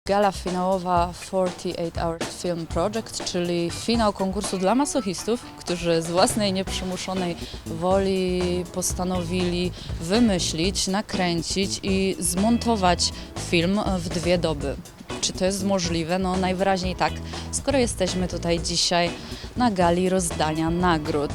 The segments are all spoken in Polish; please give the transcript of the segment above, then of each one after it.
Gala finałowa 48 Hours Film Project, czyli finał konkursu dla masochistów, którzy z własnej nieprzymuszonej woli postanowili wymyślić, nakręcić i zmontować film w 2 doby. Czy to jest możliwe? No najwyraźniej tak, skoro jesteśmy tutaj dzisiaj na gali rozdania nagród.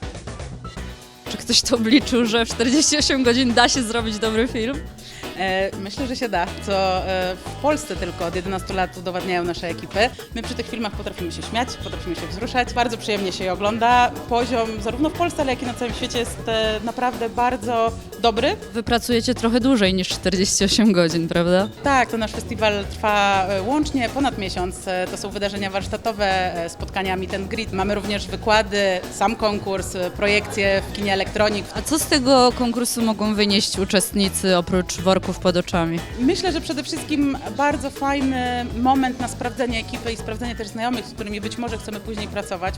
Czy ktoś to obliczył, że w 48 godzin da się zrobić dobry film? Myślę, że się da, co w Polsce tylko od 11 lat udowadniają nasze ekipy. My przy tych filmach potrafimy się śmiać, potrafimy się wzruszać, bardzo przyjemnie się je ogląda. Poziom zarówno w Polsce, ale jak i na całym świecie jest naprawdę bardzo dobry. Wy pracujecie trochę dłużej niż 48 godzin, prawda? Tak, to nasz festiwal trwa łącznie ponad miesiąc. To są wydarzenia warsztatowe, spotkania meet and greet. Mamy również wykłady, sam konkurs, projekcje w kinie Elektronik. A co z tego konkursu mogą wynieść uczestnicy oprócz worków pod oczami? Myślę, że przede wszystkim bardzo fajny moment na sprawdzenie ekipy i sprawdzenie też znajomych, z którymi być może chcemy później pracować.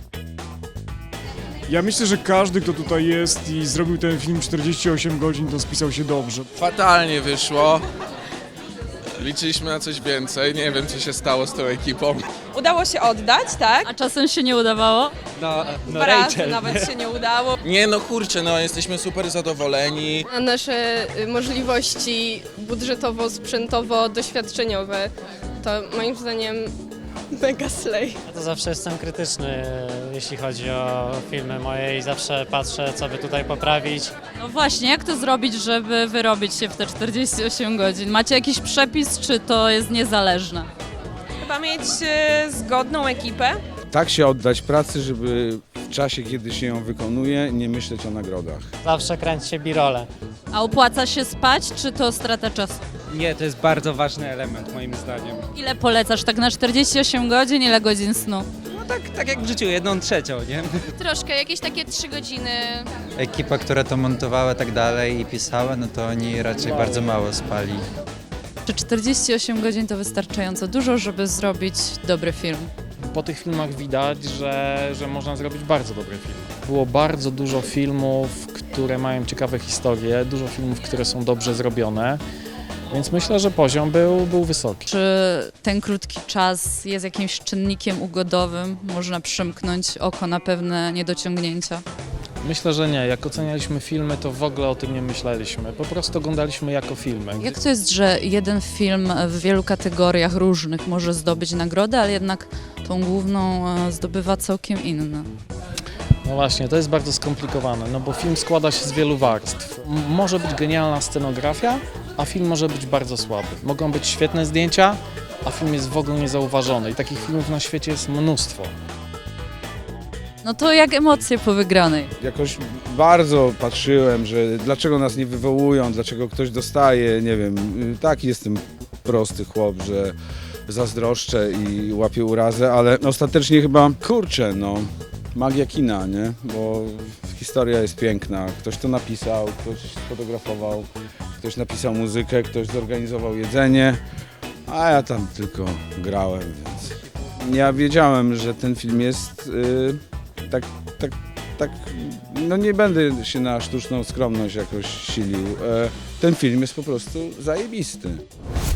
Ja myślę, że każdy, kto tutaj jest i zrobił ten film 48 godzin, to spisał się dobrze. Fatalnie wyszło. Liczyliśmy na coś więcej. Nie wiem, co się stało z tą ekipą. Udało się oddać, tak? A czasem się nie udawało? Dwa razy nawet się nie udało. Nie no kurczę, no jesteśmy super zadowoleni. Na nasze możliwości budżetowo-sprzętowo-doświadczeniowe to moim zdaniem mega slay. Ja to zawsze jestem krytyczny, jeśli chodzi o filmy moje i zawsze patrzę, co by tutaj poprawić. No właśnie, jak to zrobić, żeby wyrobić się w te 48 godzin? Macie jakiś przepis, czy to jest niezależne? Chyba mieć zgodną ekipę. Tak się oddać pracy, żeby w czasie, kiedy się ją wykonuje, nie myśleć o nagrodach. Zawsze kręci się birole. A opłaca się spać, czy to strata czasu? Nie, to jest bardzo ważny element moim zdaniem. Ile polecasz tak na 48 godzin, ile godzin snu? No tak jak w życiu, 1/3, nie? Troszkę, jakieś takie 3 godziny. Ekipa, która to montowała tak dalej i pisała, no to oni raczej bardzo mało spali. Czy 48 godzin to wystarczająco dużo, żeby zrobić dobry film? Po tych filmach widać, że można zrobić bardzo dobry film. Było bardzo dużo filmów, które mają ciekawe historie, dużo filmów, które są dobrze zrobione, więc myślę, że poziom był wysoki. Czy ten krótki czas jest jakimś czynnikiem ugodowym? Można przymknąć oko na pewne niedociągnięcia? Myślę, że nie. Jak ocenialiśmy filmy, to w ogóle o tym nie myśleliśmy. Po prostu oglądaliśmy jako filmy. Jak to jest, że jeden film w wielu kategoriach różnych może zdobyć nagrodę, ale jednak tą główną zdobywa całkiem inna? No właśnie, to jest bardzo skomplikowane, no bo film składa się z wielu warstw. Może być genialna scenografia, a film może być bardzo słaby. Mogą być świetne zdjęcia, a film jest w ogóle niezauważony i takich filmów na świecie jest mnóstwo. No to jak emocje po wygranej? Jakoś bardzo patrzyłem, że dlaczego nas nie wywołują, dlaczego ktoś dostaje, nie wiem, taki jestem prosty chłop, że zazdroszczę i łapię urazę, ale ostatecznie chyba, kurczę, no, magia kina, nie? Bo historia jest piękna, ktoś to napisał, ktoś sfotografował, ktoś napisał muzykę, ktoś zorganizował jedzenie, a ja tam tylko grałem, więc ja wiedziałem, że ten film jest no nie będę się na sztuczną skromność jakoś silił. Ten film jest po prostu zajebisty.